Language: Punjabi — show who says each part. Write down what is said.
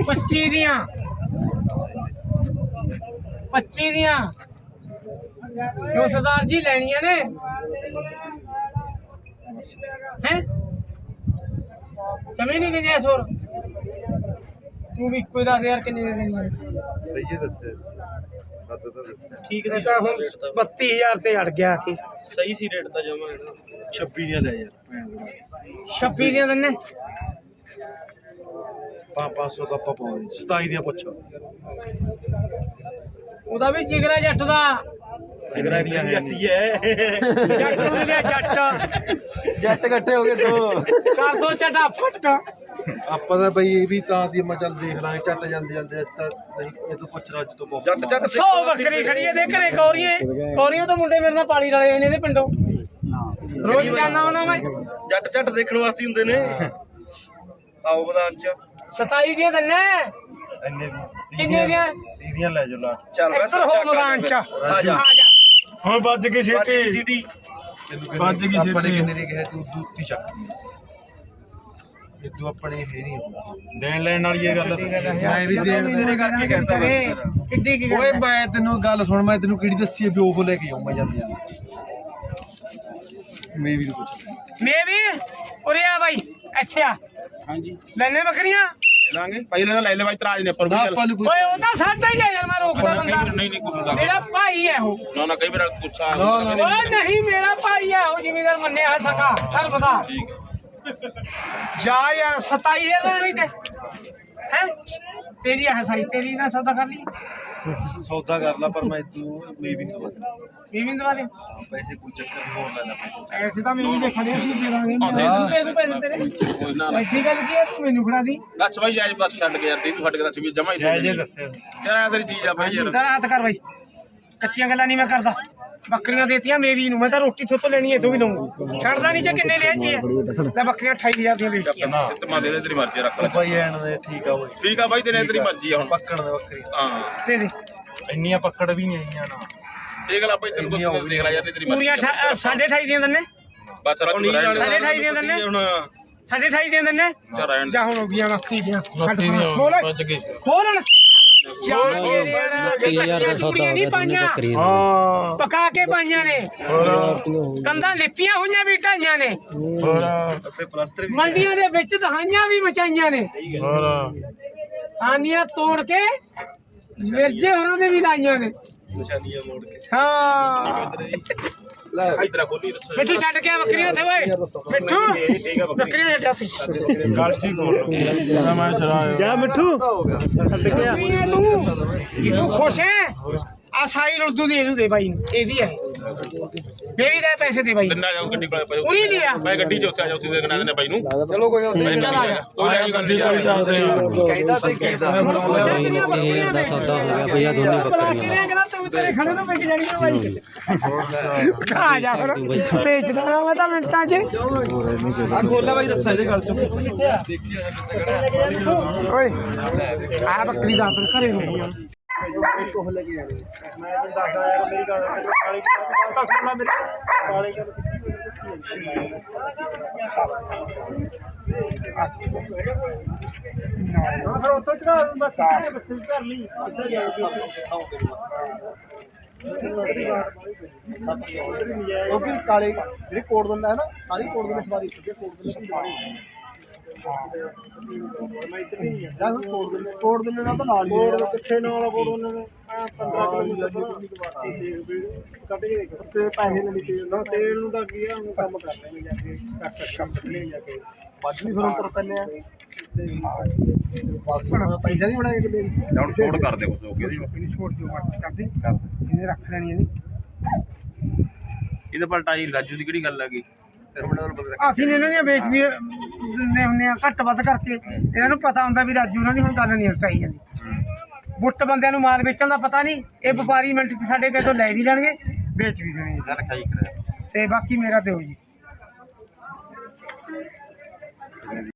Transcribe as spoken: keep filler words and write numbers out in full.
Speaker 1: पच्ची दियां पच्ची दियां क्यों सरदार जी लैनियां ने हैं कमी नहीं गई सोर तू भी कोई दस यार किन्नी दे देनी
Speaker 2: सही है दस्से
Speaker 1: ठीक है तो हम बत्ती हजार ते अड़ गया कि
Speaker 3: सही सी रेट ਤਾਂ ਜਮਾ ਹੈ ਨਾ
Speaker 2: छब्बी दियां ले यार भैन बड़ा
Speaker 1: छब्बी दियां दन्ने
Speaker 2: पाँच पाँच सौ तो आप पाओगे सताई दियां पुछो
Speaker 1: ਉਹਦਾ ਵੀ ਜਿਗਰਾ ਜੱਟ ਦਾ
Speaker 2: जिगरा दियां है नहीं
Speaker 1: ਜੱਟ ਨੂੰ ਮਿਲਿਆ ਜੱਟ
Speaker 3: ਜੱਟ ਇਕੱਠੇ ਹੋ ਗਏ ਦੋ
Speaker 1: ਕਰ ਦੋ ਝਟਾ ਫੱਟ
Speaker 2: ਆਪਾਂ ਤਾਂ ਬਈ ਇਹ ਵੀ ਤਾਂ ਦੀ ਮੈਂ ਚੱਲ ਦੇਖ ਲਾਂਗੇ ਚੱਟ ਜਾਂਦੇ ਜਾਂਦੇ ਅੱਜ ਤਾਂ ਸਹੀ ਇਹ ਤੋਂ ਪੁੱਛ ਰਾ ਅੱਜ ਤੋਂ ਬਹੁਤ
Speaker 3: ਜੱਟ ਜੱਟ
Speaker 1: ਸੌ ਬੱਕਰੀ ਖੜੀ ਹੈ ਦੇ ਘਰੇ ਕੌਰੀਏ ਕੌਰੀਆਂ ਤੋਂ ਮੁੰਡੇ ਮੇਰੇ ਨਾਲ ਪਾਲੀ ਵਾਲੇ ਆਏ ਨੇ ਇਹਦੇ ਪਿੰਡੋਂ ਰੋਜ਼ ਜਾਣਾ ਉਹਨਾਂ ਮੈਂ
Speaker 3: ਜੱਟ ਜੱਟ ਦੇਖਣ ਵਾਸਤੇ ਹੁੰਦੇ ਨੇ ਆਓ ਮੈਦਾਨ ਚ
Speaker 1: ਸਤਾਈ ਦੀਆਂ ਦੰਨੇ
Speaker 2: ਇੰਨੇ
Speaker 1: ਕਿੰਨੇ ਦੀਆਂ
Speaker 2: ਦੀਆਂ ਲੈ ਜਾਓ ਲਾ
Speaker 3: ਚੱਲ ਬਸ
Speaker 1: ਇੱਧਰ ਹੋ ਮੈਦਾਨ ਚ
Speaker 3: ਆ ਜਾ
Speaker 1: ਆ ਜਾ
Speaker 2: ਹੁਣ ਵੱਜ ਗਈ
Speaker 3: ਸੀਟੀ ਸੀਟੀ
Speaker 2: ਵੱਜ ਗਈ ਆਪਾਂ ਨੇ ਕਿੰਨੇ ਦੀ ਕਿਹਾ ਤੂੰ ਦੂਤੀ ਚੱਕ ਇਦੋਂ ਆਪਣੇ ਇਹ ਨਹੀਂ ਦੇਣ ਲੈਣ ਵਾਲੀ ਇਹ ਗੱਲ ਮੈਂ ਵੀ ਦੇਣ
Speaker 3: ਤੇਰੇ ਕਰਕੇ ਕਹਿੰਦਾ
Speaker 1: ਕਿੱਡੀ ਕੀ
Speaker 2: ਓਏ ਮੈਂ ਤੈਨੂੰ ਗੱਲ ਸੁਣ ਮੈਂ ਤੈਨੂੰ ਕਿਹੜੀ ਦੱਸੀ ਹੈ ਵੀ ਉਹ ਲੈ ਕੇ ਆਉਂ ਮੈਂ ਜਾਂਦੀ ਆ ਮੈਂ ਵੀ ਕੁਝ
Speaker 1: ਮੈਂ ਵੀ ਉਰੇ ਆ ਬਾਈ ਇੱਥੇ ਆ
Speaker 3: ਹਾਂਜੀ
Speaker 1: ਲੈਣੇ ਬੱਕਰੀਆਂ
Speaker 3: ਲੈ ਲਾਂਗੇ ਪਹਿਲੇ ਤਾਂ ਲੈ ਲੈ ਬਾਈ ਤਰਾਜ ਨੇ ਪਰ
Speaker 2: ਆਪਾਂ ਨੂੰ ਕੋਈ
Speaker 1: ਓਏ ਉਹ ਤਾਂ ਸਾਡਾ ਹੀ ਹੈ ਯਾਰ ਮੈਂ ਰੋਕਦਾ ਬੰਦਾ
Speaker 3: ਨਹੀਂ ਨਹੀਂ ਕੁਝ
Speaker 1: ਮੇਰਾ ਭਾਈ ਹੈ ਉਹ
Speaker 3: ਨਾ ਨਾ ਕਈ ਵਾਰ ਪੁੱਛਾ
Speaker 2: ਨਾ, ਨਾ,
Speaker 1: ਓਏ ਨਹੀਂ ਮੇਰਾ ਭਾਈ ਹੈ ਉਹ ਜ਼ਿਮੀਦਾਰ ਮੰਨਿਆ ਹੈ ਸਕਾ ਚੱਲ ਬਤਾ
Speaker 3: ਠੀਕ ਹੈ
Speaker 1: ਜਾ ਯਾਰ ਸਤਾਈ ਹਜ਼ਾਰ ਵੀ ਤੇ ਹੈ ਤੇਰੀ ਹੈ ਸਾਈ ਤੇਰੀ ਨਾਲ ਸੌਦਾ ਕਰ ਲਈ
Speaker 2: ਸੌਦਾ ਕਰ ਲਾ ਪਰ ਮੈਂ ਤੂੰ ਮੈਂ ਵੀ ਤੋਂ
Speaker 1: ਵੀਵਿੰ ਦਵਾ ਦੇ
Speaker 2: ਪੈਸੇ ਕੋਈ ਚੱਕਰ ਨਹੀਂ ਹੋਰ ਲੈ ਲੈ ਪੈਸੇ
Speaker 1: ਐਸੇ ਤਾਂ ਮੈਨੂੰ ਜੇ ਖੜੇ ਸੀ ਦੇ ਦਾਂਗੇ ਪੈਸੇ ਪੈਸੇ ਤੇਰੇ
Speaker 3: ਕੋਈ ਨਾ ਨਾ
Speaker 1: ਐਡੀ ਗੱਲ ਕੀ ਹੈ ਤੂੰ ਮੈਨੂੰ ਫੜਾ ਦੀ
Speaker 3: ਦੱਸ ਬਾਈ ਜਾਇਜ਼ ਬਸ ਛੱਡ ਕੇ ਯਾਰ ਤੈਨੂੰ ਛੱਡ ਕੇ ਦੱਸ ਵੀ ਜਮਾ ਹੀ
Speaker 2: ਜੈ ਜੇ ਦੱਸਿਆ
Speaker 3: ਯਾਰ ਤੇਰੀ ਚੀਜ਼ ਆ ਬਾਈ ਯਾਰ
Speaker 1: ਇਧਰ ਹੱਥ ਕਰ ਬਾਈ ਕੱਚੀਆਂ ਗੱਲਾਂ ਨਹੀਂ ਮੈਂ ਕਰਦਾ ਬੱਕਰੀਆਂ ਦੇਤੀਆਂ ਮੇਰੀ ਨੂੰ ਮੈਂ ਤਾਂ ਰੋਟੀ ਥੋਤੋਂ ਲੈਣੀ ਹੈ ਤੂੰ ਵੀ ਲਊਂਗਾ ਛੱਡਦਾ ਨਹੀਂ ਜੇ ਕਿੰਨੇ ਲਿਆ ਜੀ ਲੈ ਬੱਕਰੀਆਂ ਅਠਾਈ ਹਜ਼ਾਰ ਦੀਆਂ ਵੇਚਤੀਆਂ
Speaker 3: ਤਮਾ ਦੇ ਦੇ ਤੇਰੀ ਮਰਜ਼ੀ ਰੱਖ ਲੈ
Speaker 2: ਭਾਈ ਐਣ ਦੇ ਠੀਕ ਆ ਓਏ
Speaker 3: ਠੀਕ ਆ ਬਾਈ ਤੇਰੀ ਤੇਰੀ ਮਰਜ਼ੀ ਆ ਹੁਣ
Speaker 2: ਪੱਕਣ ਦੇ ਬੱਕਰੀ
Speaker 3: ਹਾਂ
Speaker 1: ਦੇ ਦੇ
Speaker 2: ਇੰਨੀਆਂ ਪੱਕੜ ਵੀ ਨਹੀਂ ਆਈਆਂ ਨਾ
Speaker 3: ਦੇਖ ਲੈ ਬਾਈ ਤੈਨੂੰ ਕੁਝ ਦੇਖ ਲੈ ਯਾਰ ਤੇਰੀ ਮਰਜ਼ੀ
Speaker 1: ਪੂਰੀਆਂ ਅਠਾ- ਸਾਢੇ ਅਠਾਈ ਦੀਆਂ ਦੰਨੇ
Speaker 3: ਬਸ ਰੱਖ ਲੈ
Speaker 1: ਸਾਢੇ ਅਠਾਈ ਦੀਆਂ ਦੰਨੇ
Speaker 3: ਹੁਣ
Speaker 1: ਸਾਢੇ ਅਠਾਈ ਦੀਆਂ ਦੰਨੇ
Speaker 3: ਚੱਲ ਰਹਿਣ
Speaker 1: ਜਾ ਹੁਣ ਹੋ ਗਈਆਂ ਬੱਕਰੀ ਦੀਆਂ ਖੋਲ ਖੋਲਣ
Speaker 4: अस्सी हजार का सौदा हो गया दोनों बकरी
Speaker 1: ਪਕਾ ਕੇ ਪਾਈਆਂ ਨੇ ਕੰਧਾਂ ਲਿਪੀਆਂ ਹੋਈਆਂ ਵੀ ਢਾਈਆਂ ਨੇ
Speaker 3: ਤੇ ਪਲਸਤਰ
Speaker 1: ਮੰਡੀਆਂ ਦੇ ਵਿੱਚ ਦਹਾਈਆਂ ਵੀ ਮਚਾਈਆਂ ਨੇ ਆਨੀਆਂ ਤੋੜ ਕੇ ਮਿਰਜੇ ਹੋਰਾਂ ਦੇ ਵੀ ਲਾਈਆਂ ਨੇ
Speaker 3: ਨਿਸ਼ਾਨੀਆਂ ਮੋੜ ਕੇ
Speaker 1: ਹਾਂ
Speaker 3: ਇਧਰ ਖੋਲੀ ਦੱਸੋ
Speaker 1: ਮਿੱਠੂ ਛੱਡ ਕੇ ਆ ਬੱਕਰੀਆਂ ਉੱਥੇ ਓਏ ਮਿੱਠੂ ਬੱਕਰੀਆਂ ਛੱਡਿਆ ਸੀ
Speaker 2: ਗਲਤੀ ਬੋਲ ਮੈਂ ਸ਼ਰਾਬ
Speaker 1: ਜਾ ਮਿੱਠੂ ਛੱਡ ਕੇ ਆ ਤੂੰ ਤੂੰ ਖੁਸ਼ ਹੈ ਆ ਸਾਈ ਉਰਦੂ ਦੀ ਇਹਨੂੰ ਦੇ ਬਾਈ ਨੂੰ ਇਹਦੀ ਹੈ ਮੇਰੀ ਦੇ ਪੈਸੇ ਦੇ ਬਾਈ
Speaker 3: ਦਿਨਾ ਜਾਓ ਗੱਡੀ ਕੋਲੇ ਪਏ
Speaker 1: ਉਰੀ ਲਿਆ
Speaker 3: ਮੈਂ ਗੱਡੀ 'ਚ ਉੱਥੇ ਆ ਜਾ ਉੱਥੇ ਦੇਖਣਾ ਇਹਨੇ ਬਾਈ ਨੂੰ
Speaker 4: चलो कोई
Speaker 1: ਚੱਲ ਆ ਜਾ
Speaker 3: ਕੋਈ ਨਹੀਂ ਗੱਡੀ
Speaker 4: कहता से कहता तीन हजार का सौदा हो गया भैया दोनों बकरियां
Speaker 1: ਤੂੰ ਤੇਰੇ ਖੜੇ ਤੋਂ ਵਿਕ ਜਾਣੀ ਆ ਬਾਈ ਆ ਜਾ ਫਿਰ ਵੇਚਦਾ ਮੈਂ ਤਾਂ ਮਿੰਟਾਂ 'ਚ
Speaker 3: ਆ ਖੋਲਾ ਬਾਈ ਦੱਸਾ ਇਹਦੇ ਗੱਲ 'ਚ
Speaker 1: ਓਏ ਆ ਬੱਕਰੀ ਦਾ ਅੰਦਰ ਘਰੇ ਰੁਕੀ ਆ
Speaker 2: ਉਹ ਵੀ ਕਾਲੇ ਜਿਹੜੀ ਕੋੜ ਦਿੰਦਾ ਹੈ ਨਾ ਸਾਰੀ ਕੋੜ ਦਿੰਦੇ ਸਵਾਰੀ ਸਿੱਧੇ ਕੋੜ ਦਿੰਦੇ ਜਾਂ ਕੋੜ ਦਿੰਦੇ ਕੋੜ ਦਿੰਦੇ ਨਾਲ ਤਾਂ ਨਾਲ ਕੋੜ ਕਿੱਥੇ ਨਾਲ ਕੋੜ ਉਹਨਾਂ ਨੇ ਪੰਦਰਾਂ ਕਿਲੋਮੀਟਰ ਕੱਢ ਕੇ ਤੇ ਪੈਸੇ ਨਹੀਂ ਦਿੱਤੇ ਤੇਲ ਨੂੰ ਤਾਂ ਕੀ ਆ ਉਹ ਕੰਮ ਕਰ ਲੈਣੇ ਜਾ ਕੇ ਕੱਟ ਲੈ ਜਾ ਕੇ ਵੱਧ ਵੀ ਫਿਰ ਉੱਪਰ ਪੈਨੇ ਆ ਬਸ ਪੈਸਾ ਨਹੀਂ ਬਣਾਏ ਕਿਤੇ
Speaker 3: ਹੁਣ ਛੋੜ ਕਰ ਦੇ ਕੁਛ ਹੋ ਗਿਆ
Speaker 1: ਇਹਨੂੰ ਛੋੜ ਦਿਓ ਮਰਜ਼ੀ ਕਰਦੇ ਇਹਨੇ ਰੱਖ ਲੈਣੀ ਇਹਨੇ
Speaker 3: ਇਹਦੇ ਪਲਟਾਈ ਰਾਜੂ ਦੀ ਕਿਹੜੀ ਗੱਲ ਆ ਗਈ
Speaker 1: ਅਸੀਂ ਨੇ ਇਹਨਾਂ ਦੀਆਂ ਵੇਚ ਵੀ ਦਿੰਦੇ ਹੁੰਦੇ ਆ ਘੱਟ ਵੱਧ ਕਰਕੇ ਇਹਨਾਂ ਨੂੰ ਪਤਾ ਹੁੰਦਾ ਵੀ ਰਾਜੂ ਉਹਨਾਂ ਦੀ ਹੁਣ ਗੱਲ ਨਹੀਂ ਹਟਾਈ ਜਾਂਦੀ ਬੁੱਟ ਬੰਦਿਆਂ ਨੂੰ ਮਾਲ ਵੇਚਣ ਦਾ ਪਤਾ ਨਹੀਂ ਇਹ ਵਪਾਰੀ ਮਿੰਟ 'ਚ ਸਾਡੇ ਕੋਲ ਤੋਂ ਲੈ ਵੀ ਲੈਣਗੇ ਵੇਚ ਵੀ ਦੇਣਗੇ
Speaker 3: ਗੱਲ ਖਾਈ ਕਰਿਆ
Speaker 1: ਤੇ ਬਾਕੀ ਮੇਰਾ ਦਿਓ ਜੀ